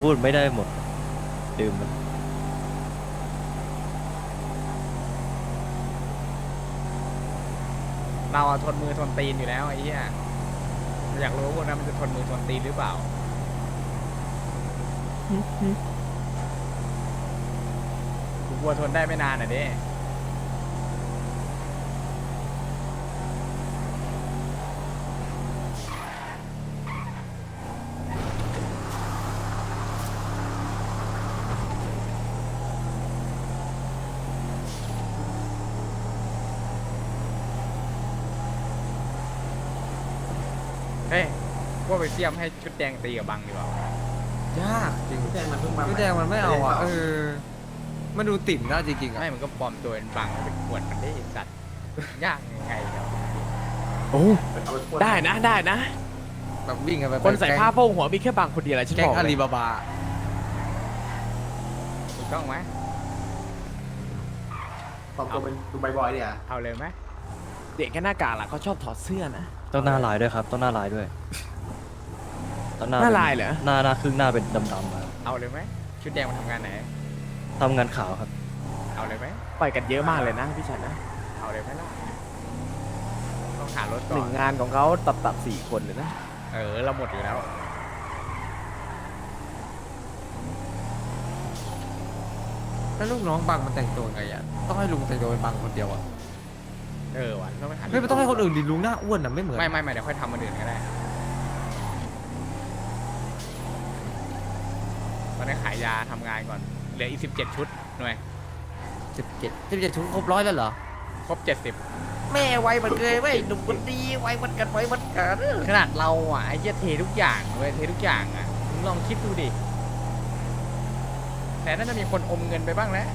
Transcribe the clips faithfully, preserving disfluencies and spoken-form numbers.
พูดไม่ได้หมดดื่มมันเราอะทนมือทนตีนอยู่แล้วไอ้เหี้ยอยากรู้ว่าพวกนั้นมันจะทนมือทนตีนหรือเปล่ากูกลัวทนได้ไม่นานอ่ะเด้เฮ้ยว่าไปเทียมให้ชุดแดงตีกับบังดีกว่ายากจริงแดงมันเพิ่งมาพี่แดงมันไม่เอาอ่ะเออมันดูติ่มนะจริงๆอ่ะไม่มันก็ปลอมตัวเป็นบังไปขวดมันได้สัตว์ยากยังไงครับโอ้เอาไปพ่นได้นะได้นะแบบวิ่งกันไปคนใส่แก๊งผ้าโพกหัวมีแค่บางคนเดียวแหละฉันแก๊งบอกอาเลลียบาบาถูกต้องไหมปลอมตัวเป็นดูใบบอยเนี่ยเอาเลยไหมเด็กแค่หน้ากากล่ะเขาชอบถอดเสื้อนะต้องหน้าลายด้วยครับต้องหน้าลายด้วยต้องหน้าป็ลายเหรอหน้าหน้าครึ่งหน้าเป็นดำๆครับเอาเลยไหมชุดแดงมันทำงานไหนทำงานขาวครับเอาเลยไหมปล่อยกันเยอะมากเลยนะพี่ชันนะเอาเลยไหมล่ะต้องหารถหก่อนึ่งนงานของเขาตับตับสี่คนเลยนะเออเราหมดอยู่แล้วแล้วลูกน้องบังมันแต่งตัวไงอ่ะต้องให้ลุงแต่งตัวเป็นบังคนเดียวอ่ะเออว่ะต้องไปหาไม่ต้องให้คนอื่นดิลุงหน้าอ้วนอ่ะไม่เหมือนไม่ไม่ไม่เดี๋ยวค่อยทำมันอื่นก็ได้ตอนนี้ขายยาทำงานก่อนเหลืออีกสิบเจ็ดชุดหน่วยสิบเจ็ดสิบเจ็ดชุดครบร้อยแล้วเหรอครบเจ็ดสิบแม่ไวมันเคยเว้ยหนุ่มคนดีไวมันกันไวมันกันขนาดเราอ่ะไอ้เหี้ยเททุกอย่างเว้ยเททุกอย่างอ่ะมึงลองคิดดูดิแต่น่าจะมีคนอมเงินไปบ้างแล้ว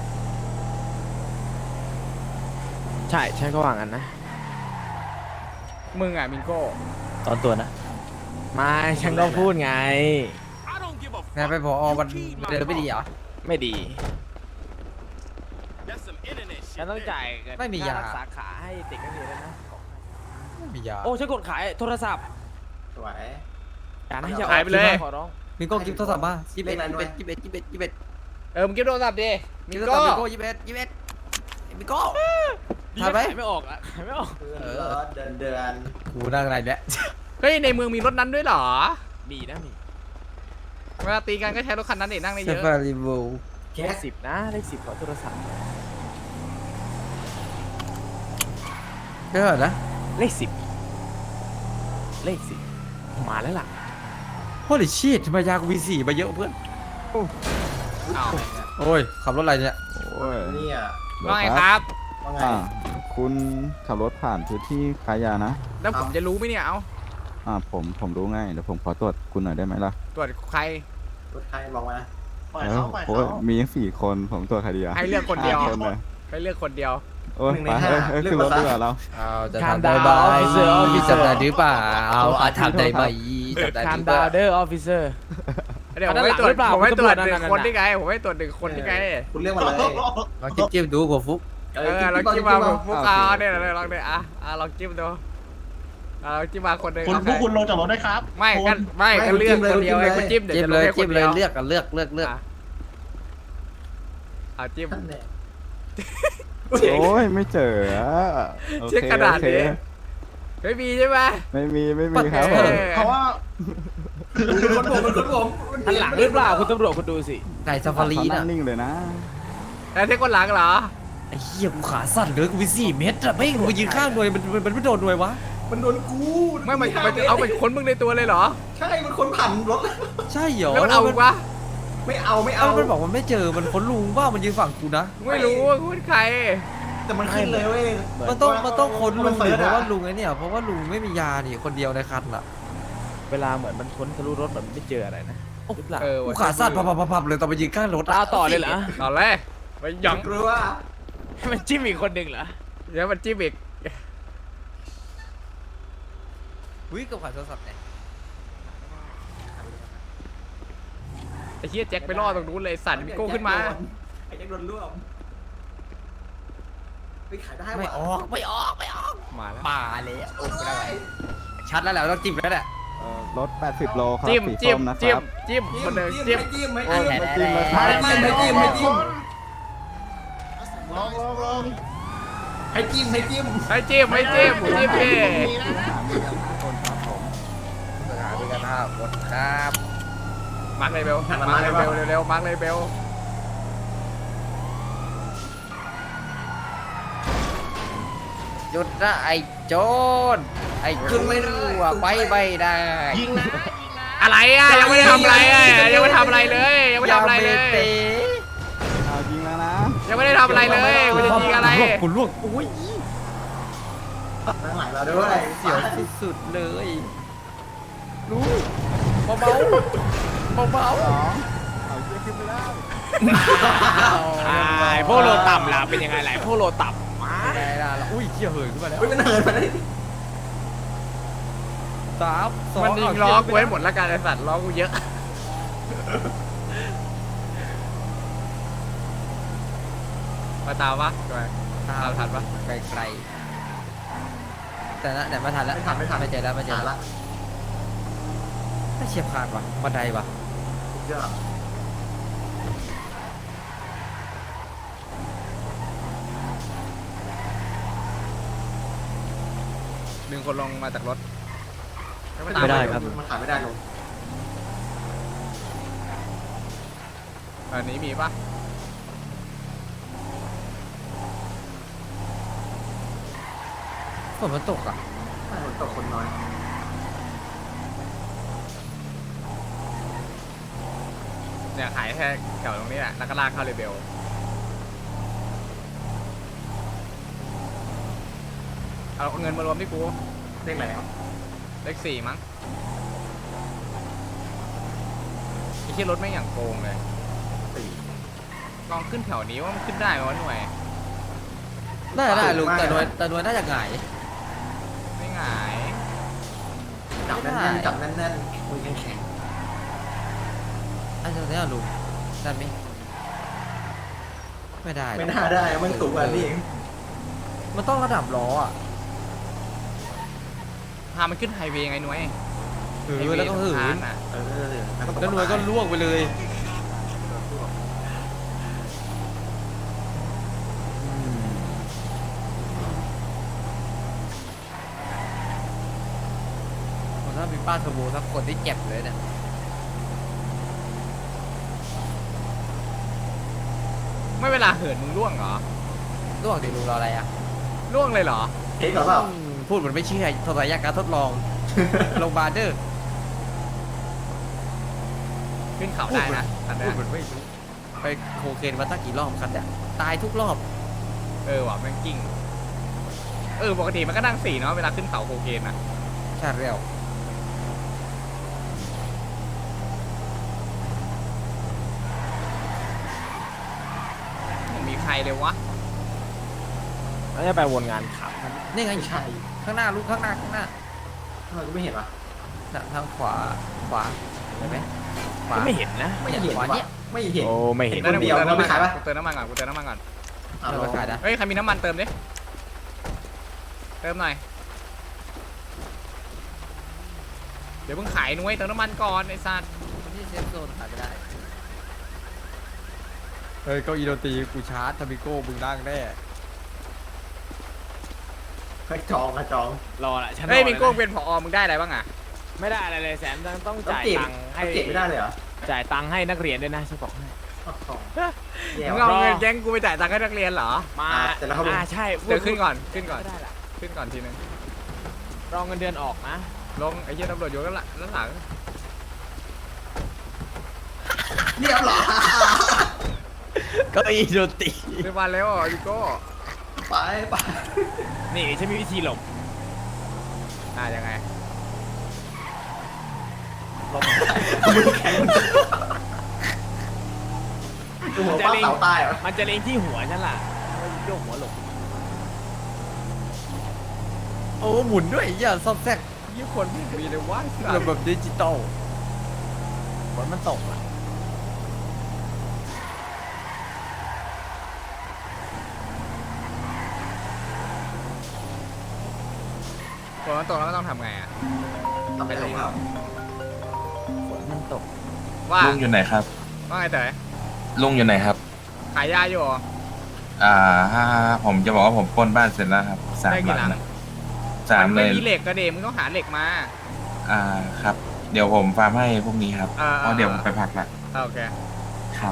ใช่ใช่ก็ว่างั้นนะมึงอ่ะมิงโก้ตอนตัวนะไม่ฉันก็พูดไงไงไปพอวันเดินไม่ดีเหรอไม่ดีฉันต้องจ่ายเงินไม่มียาค่รักษาขาให้เด็กนักเรียนแล้วนะไม่มียาโอ้ฉันกดขายโทรศัพท์สวยการให้จะขายไปเลยขอร้องมิโก้กิฟต์โทรศัพท์มายี่สิบเอ็ดเลขอะไรยี่สิบเอ็ดยี่สิบเอ็ดยี่สิบเอ็ดเออมึงเก็บโทรศัพท์ดิมิมิงโก้โก้มิโก้ยี่สิบเอ็ดยี่สิบเอ็ดมิโก้ดีทันไหมขายไม่ออกอะขายไม่ออกเออเดินเดินกูนั่งอะไรเนี่ยเฮ้ยในเมืองมีรถนั้นด้วยเหรอมีนะมีเวลาตีกันก็ใช้รถคันนั้นเด็นั่งได้เซเยอะฟาริโวแคเลสขสิบนะเลขสิบขอโทรศัพท์เท่าไหร่นะเลขสิบเลขสิบมาแล้วล่ะโอ้ยชีตทำไมยากูวีสี่มาเยอะเพื่อนอ้าวโอ้ยขับรถอะไรเนี่ยโอ้ยเนี่ยว่าไงครับว่าไงอ่าคุณขับรถผ่านพื้นที่ขายยานะแล้วผมจะรู้ไหมเนี่ยเอาอ่าผมผมรู้ง่ายเดี๋ยวผมขอตรวจคุณหน่อยได้ไหมล่ะตรวจใครรถใครลองมาปล่อยเออเขาปล่อยโอ้เขายมีตั้งสี่คนผมตรวจใครดีอะให้เลือกคนเดียวห้าคนเลยให้เลือกคนเดียวโอ้ยไปเอ้ยเอ้ยขึ้นรถดีกว่าเราเอาจะคามทำได้ดาวไหมออฟฟิเซอร์ออฟฟิพี่เซอจำได้ร์หรือเปล่าเอาอาทำได้ไหมจำได้หคามรือเปดาล่าวเดอร์ออฟฟิเซอร์เดี๋ยวผมไม่ตรวจหรือเปล่าผมไม่ตรวจคุณหตำรวจนึ่งนั่นคนน่ะได้ไง ผมไม่ตรวจหนึ่งคนได้ไงคุณเรียกมาเลยลองจิ้มจิ้มดูหัวฟุกเออลองจิ้มมาผมฟุกเอาเนี่ยเลยลองเนี่ยอ่ะอ่ะลองจิ้มดูอ่ะลองจิ้มมาคนหนึ่งคุณโอพวกเคคุณลงจากรถได้ครับไม่กันไม่กันเลือกคนเดียวไงคุณจิ้มเดี๋ยวจิ้มจะลเลงยให้คจิ้นมเลเดียยวเลือกกันเลือกเลือกเลือกอ่ะเอาจิ้มท่านเนี่ยโอ้ยไม่เจออะโอเช็คเคกระดาษโอเคดิ ไม่มีใช่ไหมไม่มีไม่มีครับเอผมอเพราะว่าคนผมเป็นคนผมทันหลังหรือเปล่าคุณตำรวจคุณดูสิไก่ซาฟารีเขาน่ะนั่งนิ่งเลยนะแล้วที่คนหลังเหรอไอ้เหี้ยกูขาสั่นเลยกูมีสี่เมตรอะไม่งกูยืนข้างหน่วยมันมันมันไม่โดนหน่วยวะมันโดนกูไม่มันมันเอาเป็นคนมึงในตัวเลยเหรอใช่มันคนผ่านรถใช่เหรอแล้วมันเอาอีกวะไม่เอาไม่เอาเอามันบอกมันไม่เจอมันคนลุงว่ามันยืนฝั่งกูนะไม่รู้ว่าคุณใครแต่มันขึ้นเลยเว้ยมันต้องมันต้องคนลุงมันหเสิรือร์ชเพราะอะว่าลุงไอ้เนี่ยเพราะว่าลุงไม่มียานี่คนเดียวในคันอ่ะเวลาเหมือนมันค้นทะลุรถแบบไม่เจออะไรนะหรือเปล่าเออกูว่ะขาสั่นพับพับพับพับเลยตอนไปยืนข้างรถะตาต่อเลยเหรอต่อเลยไปหยังกลัวให้มันจิ้มอีกคนหนึ่งเหรอเดี๋ยวมันจิ้มอีกอุ้ยกับขาโทรศัพท์เนี่ยไอ้เหี้ยแจ็คไปล่อตรงนู้นเลยสั่นมิโก้ขึ้นมาไอ้แจ็คโดนร่วมไปขายได้ไม่ว่ะออกไม่ออกไม่ออกมาแล้วมาเลยโอ้ไม่ได้ชัดแล้วแหละต้องจิ้มแล้วแหละเอเอ่อรถแปดสิบโลครับจิ้มสีจิ้ส้มมนะคจิ้มรับจิ้มคนเดินจิ้มไม่จิ้มไม่โอ้จิ้ยมไม่จิ้มเลยครับไม่จิ้มไม่จิ้มไม่จิ้มให้จิ้มให้จิ้มจิ้มดิหามีกันห้าคนครับผมสถานบริการห้าคนครับมาร์คเลยเบลมาร์คเลยเบลเร็วๆมาร์คเลยเบลหยุดนะไอ้โจรไอ้ขึ้นไม่ได้ไปไม่ได้ยิงนะอะไรอ่ะยังไม่ได้ทำอะไรอ่ะยังไม่ทำอะไรเลยยังไม่ทำอะไรเลยเอาจริงแล้วนะยังไม่ได้ทำอะไรเลยมันจะยิงอะไรคุณลวกอุ้ยข้างหลังเราด้วยเสียวสุดๆเลยรู้เบาๆเบาสองเอาเชือกขึ้นไม่ได้ๆอ่าพวกโลต่ำล่ะเป็นยังไงล่ะพวกโลต่ำมาได้ละอุ้ยเขี่ยเหินขึ้นมาแล้วเฮ้ยมันเหินมาได้สามสองมันยิงล้อกูให้หมดละกันไอสัตว์ล้อกูเยอะมาตามปะทำไมตาตามมทันปะไกลๆแต่นะแต่ไม่ทันแล้วไม่ทันไม่ทันไม่เจอแล้วไม่เจอละแล้วไม่เฉียบขาดว่ะบันไดว่ะเยอะดึงคนลงมาจากรถไม่ได้ครับมันขายไม่ได้ลงอันนี้มีปะฝนมันตกอ่ะถ้าฝนตกคนน้อยเนี่ยขายแค่แถวตรงนี้แหละแล้วก็ลากเข้าเรเบลเอาเงินมารวมที่กูเรียกอะไรครับเลขสี่มั้งไอ้ที่รถไม่งอย่างโกงเลยสี่ลองขึ้นแถวนี้ว่ามันขึ้นได้ไหมวะหน่วยได้ได้ลุงแต่นวลแต่นวลน่าจะหงายไม่หงายจับแน่นๆจับแน่นๆมือแข็งอันนี้ลุงได้ไหมไม่ได้ๆหรอกไม่น่าได้มันสูงกว่านี้เองมันต้องระดับล้ออ่ะพามันขึ้นไฮเวย์ไงหน่วยเออแล้วก็หืไฮนเย์สะพานน่ะเออแล้วก็ตกแล้วนวลก็ล่วงไปเลยถ้ามีป้าเทอร์โบสักคนที่เจ็บเลยเนี่ยไม่เวลาเหินมึงร่วงเหรอล่วงดิลุงรออะไรอ่ะร่วงเลยเหรอเทคเหรอเปล่าอืมพูดเหมือนไม่เชื่อทดลองการทดลอง โรงพยาบาลเด้อขึ้นเขาได้นะคันพูเนี้ดยเหมือนไม่รู้ไปโคเคนมาตั้งกี่รอบคันเนี่ยตายทุกรอบเออว่ะแม่งกิ้งเออปกติมันก็นั่งสี่เนาะเวลาขึ้นเขาโคเคนนะใช่แล้วไม่มีใครเลยวะแล้วจะไปวนงานขับนี่ไงไม่ใช่ข้างหน้าลูกข้างหน้าข้างหน้าทำไมกูไม่เห็นวะน่ะทางขวาขวาเห็นไหมขวาไม่เห็นนะไม่เห็นขวาวะเนี่ยไม่เห็นโอ้ไม่เห็นคเดียวกูเติมน้ำมันไม่ขายปะกูเติมน้ำมันก่อนกูเติมน้ำมันก่อนอ่ะเราลองขายนะเฮ้ยใครมีน้ำมันเติมดิเติมหน่อยเดี๋ยวเพิ่งขายนุ้ยเติมน้ำมันก่อนไอ้สัตว์ที่เซฟโซนขายไม่ได้เฮ้ยเก้าอี้ดนตรีกูชาร์จทามิโก้มึงนั่งแน่ให้จองอะจองรอละฉันรอเฮ้ยเลมีนะโก้เป็นผอมึงได้อะไรบ้างอ่ะไม่ได้อะไรเลยแสนต้องต้องต้องจ่ายเก็บตังค์ให้ต้องเก็บไม่ได้เลยเหรอจ่ายตังค์ให้นักเรียนด้วยนะฉันบอกให้อ๋อแย่มึงว่ะเอาเงินแก๊งกูไปจ่ายตังค์ให้นักเรียนเหรอมาอ่ะเสร็จแล้วครับผมอ่าใช่เดี๋ยวขึ้นก่อนขึ้นก่อนไม่ได้ละขึ้นก่อนทีนึงรองเงินเดือนออกนะลงไอ้เหี้ยตำรวจอยู่กันละด้านหลังเรียบร้อยเก้าอี้ดนตรีเรียบร้อยแล้วอ่ะพี่โก้ไปไปนี่ฉันมีวิธีหลบอ่ะยังไงมือแข็งดูหัวป้าเสาตายเหรอมันจะเล็งที่หัวฉันล่ะแล้วโยกหัวหลบโอ้หมุนด้วยอย่าซอบแซกยี่คนไม่มีเลยว่าระบบดิจิตอลฝนมันตกอ่ะคนมันตกแล้วก็ต้องทำไงอ่ะทำอะไรครับฝนมันตกว่าลุงอยู่ไหนครับว่าไงเต๋อลุงอยู่ไหนครับขายยาอยู่เหรออ่าผมจะบอกว่าผมปล้นบ้านเสร็จแล้วครับสามได้กี่หลังหลังนะสามนเลไม่ยมีเหล็กก็เดมึงต้องหาเหล็กมาอ่าครับ เดี๋ยวผมฟาร์มให้พวกนี้ครับอ่าเพราะเดี๋ยวผมไปพักละอ่าโอเคครับ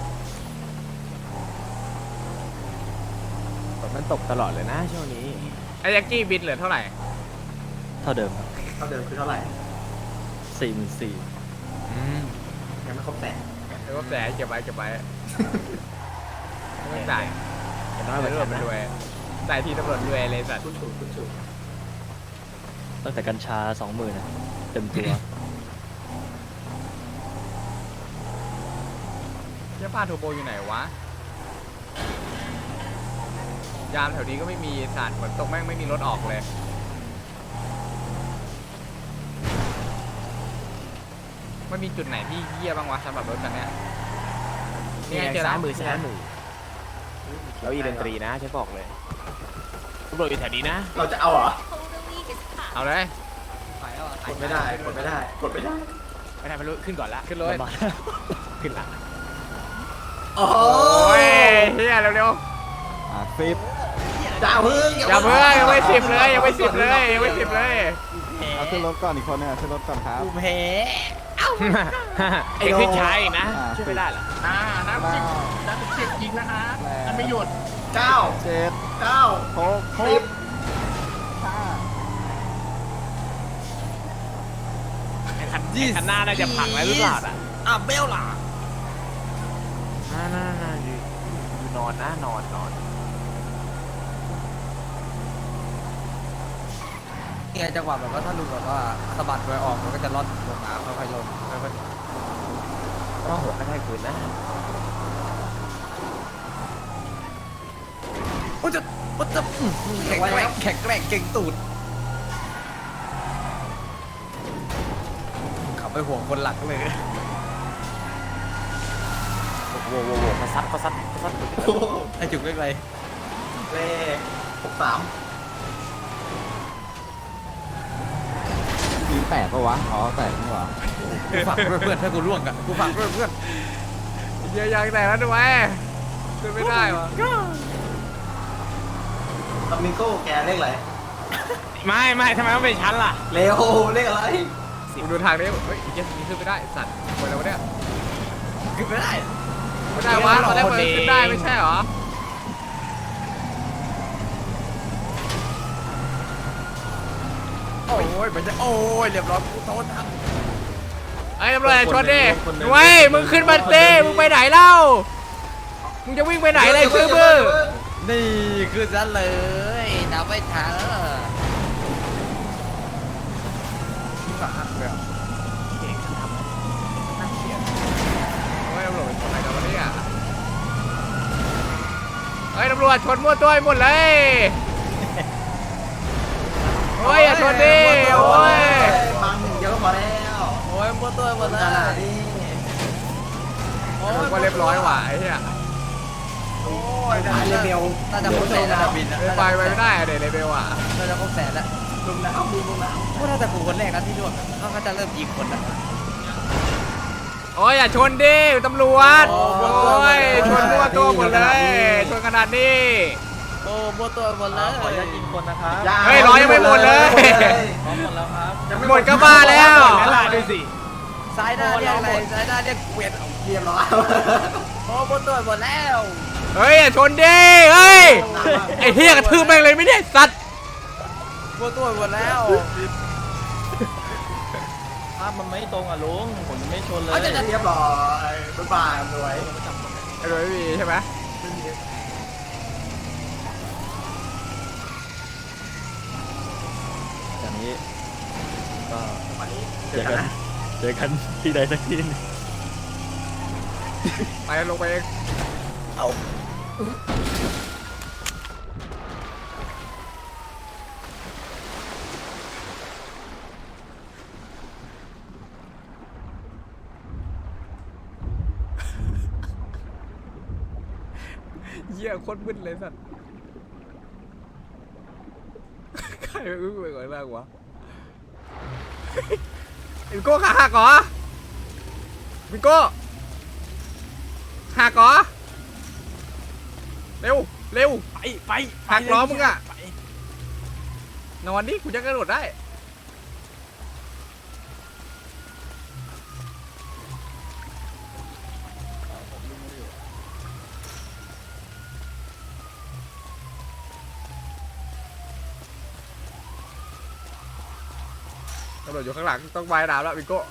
ฝนมันตกตลอดเลยนะช่วงนี้ไอ้ยักกี้บินเหลือเท่าไหร่เท่าเดิมครับเท่าเดิมคือเท่าไหร่สี่หมื่นสี่ยังไม่ครบแสนเดี๋ยวก็แสเก็บไว้เก็บไว้ไม่ต้องจ่ายแต่น้อยกว่าตำรวฉัจนมันนะรวยจ่ายทีตำรวจรวยเลยสัตว์คุณถูกคุณถูกตั้งแต่กัญชาสองหมื่นนะเต็มตัวเจ้าป้าโทโบอยู่ไหนวะ ยามแถวนี้ก็ไม่มีสัตว์ฝนตกแม่งไม่มีรถออกเลย มันมีจุดไหนที่เยี่ยบ้างวะสำหรับรถคันเนี้ยนี่ไงเจอแล้ซ้ายว มือซ้ายมือแล้วอีดนตรีนะฉันบอกเลยตำรวจอยู่แถวนี้นะเราจะเอาเหรอเอาเลยกดไม่ได้กดไม่ได้กดไม่ได้ไม่ได้ไม่รู้ขึ้นก่อนละขึ้นรถมาขึ้นละโอ้โอ้ยเฮียเร็วอ่าฟิปจ้าเพิ่งๆอย่าเพิ่งยังไม่สิบเลยยังไม่สิบเลยยังไม่สิบเลยเอาขึ้นรถก่อนอีกคนนึงอ่ะขึ้นรถก่อนครับกูแพ้ไอ้ขึ้นช้าอีกนะอ่าช่วยไม่ได้เหรออ่าน้ำสิบน้ำสิบยิงนะคะมันไม่หยุดเก้าเจ็ดเก้าหกสิบห้าไอ้คันไอ้คันหน้าน่าจะพังแล้วหรือเปล่าอ่ะอ่ะเบลล่ะน่าน่าน่าอยู่อยู่นอนนะนอนนอนเนี่ยจังหวะแบบว่าถ้าลุงแบบว่าสะบัดไว้ออกมันก็จะลดลงมาค่อยๆลงค่อยต้องหัวกระแทกพื้นนะๆโอ้จะโอ้จะอื้อแข็งแกร่งแข็งแกร่งเก่งตูดขับไปห่วงคนหลักเลยโอ้โหโว้โหเขาซัดเขาซัดเขาซัดโอ้โหไอจุกเล็กไรเลขหกสามมีแปดปะวะ อ๋อแปดนี่หว่ากูฝากเพื่อนๆถ้ากูร่วงอ่ะกูฝากเพื่อนเฮียยังแต่แล้วด้วยขึ้นไม่ได้วะตอมิโก้แกเลขอะไรไม่ไม่ทำไมต้องเป็นชั้นล่ะเร็วเลขอะไรมึงดูทางนี้เฮ้ยเฮียนี้ขึ้นไม่ได้สัตว์คนอะไรวะเนี่ยๆคือไม่ได้ไม่ได้วะตอนแรกมันขึ้นได้ไม่ใช่เหรอโอ้ยมันจะโอ้ยเรียบร้อยกูโทษครับไอ้ตำรวจชนดิเว้ยมึงขึ้นมาเต้มึงไปไหนเล่ามึงจะวิ่งไปไหนเลยคือมือนี่คือซะเลยนับไม่ทันฝากเพื่อนเฮ้ยตำรวจชนอะไรกันวะเนี่ยเฮ้ยตำรวจชนมั่วตัวไปหมดเลยโอ้ยอย่าชนดิโอ้ยบังเยอะพอแล้วโอ้ยหมดตัวหมดขเลนาดยนี้โอ้ก็เรียบร้อยว่ะไอ้เหี้ยโอ้ยได้เลเวลน่าจะครบแสนแล้วบินไปไปไม่ได้อะเดี๋ยวเลเวลอ่ะน่าจะครบแสนแล้วลุงน้ำลุงน้ำพวกน่าจะกูคนแรกนะที่ร่วงเขาก็จะเริ่มยิงคนแล้วโอ้ยอย่าชนดิตำรวจโอ้โอ้ยชนมั่วตัวหมดเลยชนขนาดนี้โอ้หมดตัวหมดเลยขออนุญาตยิงคนนะครับเฮ้ยร้อยยังไม่หมดเลยพร้อมหมดแล้วครับยังหมดก็บ้าแล้วนั่นแหละดูสิซ้ายหน้าเรียกอะไรซ้ายหน้าเรียกเกวียนเรียบร้อยโอ้หมดตัวหมดแล้วเฮ้ยอย่าชนดิเฮ้ยไอ้เหี้ยกระทืบแม่งเลยไม่ได้สัตว์หมดตัวหมดแล้วภาพมันไม่ตรงอ่ะลุงผมไม่ชนเลยเอาจะจะเรียบร้อยบ๊ายบายรวยไอ้โดยไม่มีใช่ไหมจากนี้ก็วันนี้เจเจออกักัน นนะเจอกันที่ใดสักที่หนึงไปลงไปเองเหี้ยโคตรมึนเลยสัตว์ใครไปอึ้งไปก่อนแรกวะวิโก้ขาหักเหรอวิโก้หักเหรอเร็วเร็วไปไปหักล้อมึงอะนอนดิกูจะกระโดดได้ตำรวจอยู่ข้างหลังต้องไม้น้ำแล้ววิโก้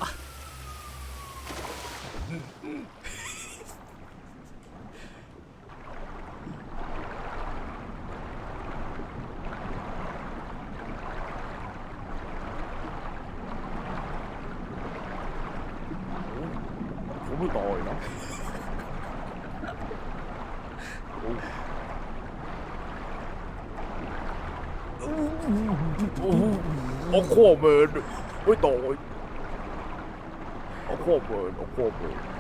ผมไม่ต่อยนะโอ้โหเมินไม่ต่อยโอ้โหเมินโอ้โหเมิน